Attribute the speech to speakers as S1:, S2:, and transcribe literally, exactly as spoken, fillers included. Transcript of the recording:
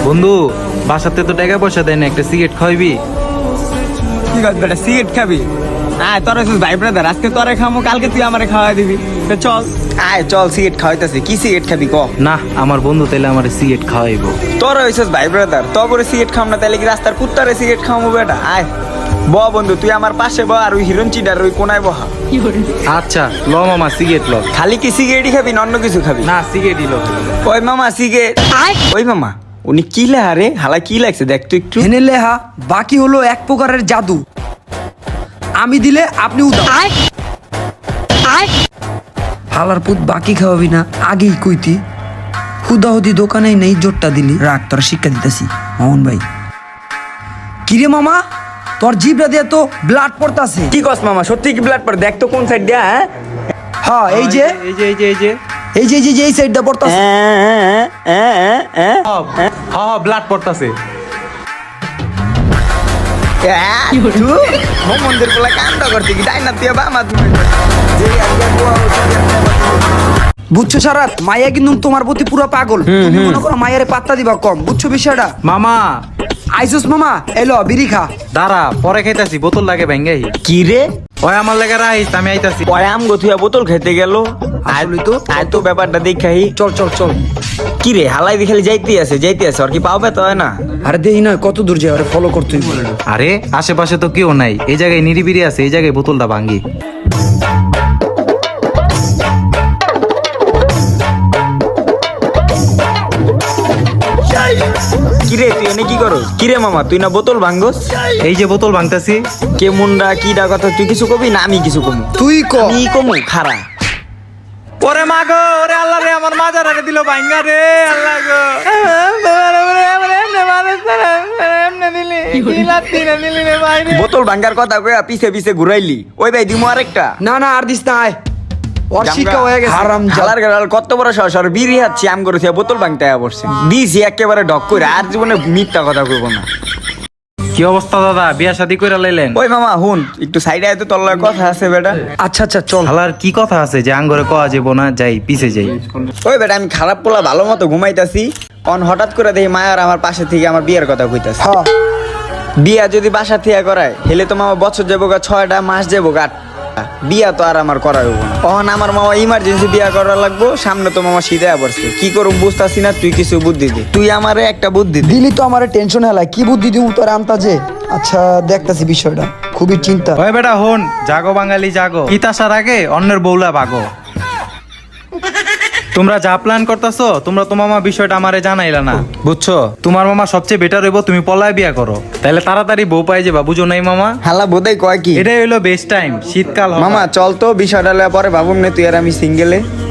S1: বন্ধু বাসাতে তো টাকা পয়সা দেয় না, একটা সিগারেট খাইবি?
S2: ঠিক আছে বেটা, সিগারেট খাবি? আয় তোরা ভাই ব্রাদার, আজকে তোরে খামো, কালকে তুই আমারে খাওয়াই দিবি। তো চল আয়, চল সিগারেট খাওয়াইতেছি। কি সিগারেট খাবি ক?
S1: না, আমার বন্ধু তাইলে আমার সিগারেট খাওয়াইবো।
S2: তোরা হইছিস ভাই ব্রাদার, তবরে সিগারেট খাম না তাইলে কি রাস্তার কুত্তারে সিগারেট খাওয়াবো বেটা? আয় ব বন্ধু, তুই আমার পাশে ব, আর ওই হিরণ চিডার ওই কোনায় বহা।
S1: আচ্ছা ল মামা, সিগারেট ল।
S2: খালি কি সিগারেটই খাবি না অন্য কিছু খাবি?
S1: না, সিগারেটই ল।
S2: ওই মামা সিগারেট। ওই মামা উনি কি লেহা রে? হালা কি লাগছে দেখ তো একটু।
S3: হেনে লেহা বাকি হলো এক প্রকারের জাদু। আমি দিলে আপনি উদাও। হালার পুত বাকি খাওয়াবি না, আগেই কইতি। হুদাহুদি দোকানে নেই, জোরটা দিলি। রাখ, তোর শিক্ষা দিতেছি মোহন ভাই। কিরে মামা, তোর জিভটা দিয়ে তো ব্লাড পড়তাছে।
S2: কি কস মামা, সত্যি কি ব্লাড পড়ে? দেখ তো কোন সাইড দিয়া। হ্যাঁ
S3: হ্যাঁ, এই যে
S1: এই যে এই যে এই যে
S3: এই যে এই যে এই সাইডটা পড়তাছে।
S2: হ্যাঁ
S1: হ্যাঁ ব্লাড পড়তাছে।
S2: মন্দির গুলা কান্দ করতে কি তাই না? তুই বামা
S3: বুঝছো সারাত, মাইয়া কিন্তু তোমার প্রতি পুরো পাগল। তুমি মনে করো মায়ের পাত্তা দিবা কম, বুঝছো বিষয়টা?
S1: মামা
S3: আইসুস মামা, এলো বিড়ি খা।
S1: দাঁড়া, পরে খাইতাছি, বোতল লাগে ভাঙ্গাই।
S2: কি রে?
S1: ওই আমার লাগে রাইস, আমি আইতাছি।
S2: পরে আম গথুয়া বোতল খেতে গেল।
S3: আসলেই তো।
S2: আয় তো ব্যাপারটা দেখাই।
S3: চল চল চল।
S2: কি রে হালাই দেখালি যাইতে আছে যাইতে আছে, আর কি পাও পেতে হয় না?
S3: আরে দেই না কত দূর যায়, আরে ফলো করতেই বলে।
S1: আরে আশেপাশে তো কেউ নাই, এই জায়গায় নিরিবিরি আছে, এই জায়গায় বোতলটা ভাঙ্গি।
S2: কিরে তুই এনে কি করো? কিরে মামা তুই না বোতল ভাঙ্গস?
S1: এই যে বোতল ভাঙতাছি।
S2: কে মুন্ডা কি ডা কথা, তুই কিছু কবি না আমি কিছু কমু?
S3: তুই ক।
S2: আমি কমু খারা।
S1: ওরে মা গো, ওরে আল্লাহ রে, আমার মাজার আরে দিল ভাঙ্গা রে, আল্লাহ গো।
S2: বোতল ভাঙ্গার কথা কইয়া পিছে পিছে ঘুরাইলি। ওই ভাই দিমু আরেকটা।
S3: না না আর দিস না, আয়। ওর শিক্ষা হয়ে গেছে। হারাম
S2: জালার গালার কত বড় সাহস, আর বিড়ি হাচ্ছি আম করেছি, বোতল ভাঙতে আয়া পড়ছে। দিছি একেবারে ডক করে, আর জীবনে মিথ্যা কথা কইব না।
S1: কি অবস্থা দাদা, বিয়া শাদী কইরা লাইলেন?
S2: ওই মামা হুন একটু সাইডে আয় তো, তোর লগে কথা আছে বেটা।
S3: আচ্ছা আচ্ছা চল।
S1: হালার কি কথা আছে যে আঙ্গরে কয়া যাবো না? যাই পিছে যাই।
S2: ওই বেটা আমি খারাপ পোলা ভালো মতো ঘুমাইতাছি, অন হঠাৎ করে দেখি মায়ার আমার পাশে থেকে আমার বিয়ের কথা কইতাছে।
S3: হ্যাঁ
S2: বিয়া যদি বাসা থেকে করায় হেলে তো মামা বছর যাবো গা, ছয়টা মাস যাবো গা, আটটা। বিয়া তো আর আমার করা হইব না। তখন আমার মামা ইমার্জেন্সি বিয়া করা লাগবো, সামনে তো মামা সিধা পড়ছে। কি করুম বুঝতাছি না, তুই কিছু বুদ্ধি দে। তুই আমারে একটা বুদ্ধি দে।
S3: দিলি তো আমার টেনশন হেলা, কি বুদ্ধি দিব তোর আন্তাজে? আচ্ছা দেখতাছি বিষয়টা, খুবই চিন্তা।
S1: ওই বেটা হন, জাগো বাঙালি জাগো, ঈদ আসার আগে অন্যের বউলা ভাগো। তোমরা যা প্ল্যান করতেছো, তোমরা তো মামা বিষয়টা আমারে জানাইলা না, বুঝছো? তোমার মামা সবচেয়ে বেটার হইব তুমি পলায় বিয়া করো, তাহলে তাড়াতাড়ি বউ পাই যাবা, বুঝো নাই মামা?
S2: হালা বোধহয় কয় কি,
S1: এটাই হইলো বেস্ট টাইম, শীতকাল হবে।
S2: মামা চল তো বিষয়টা লইয়া পরে ভাবুম না, তুই আর আমি সিঙ্গেলে।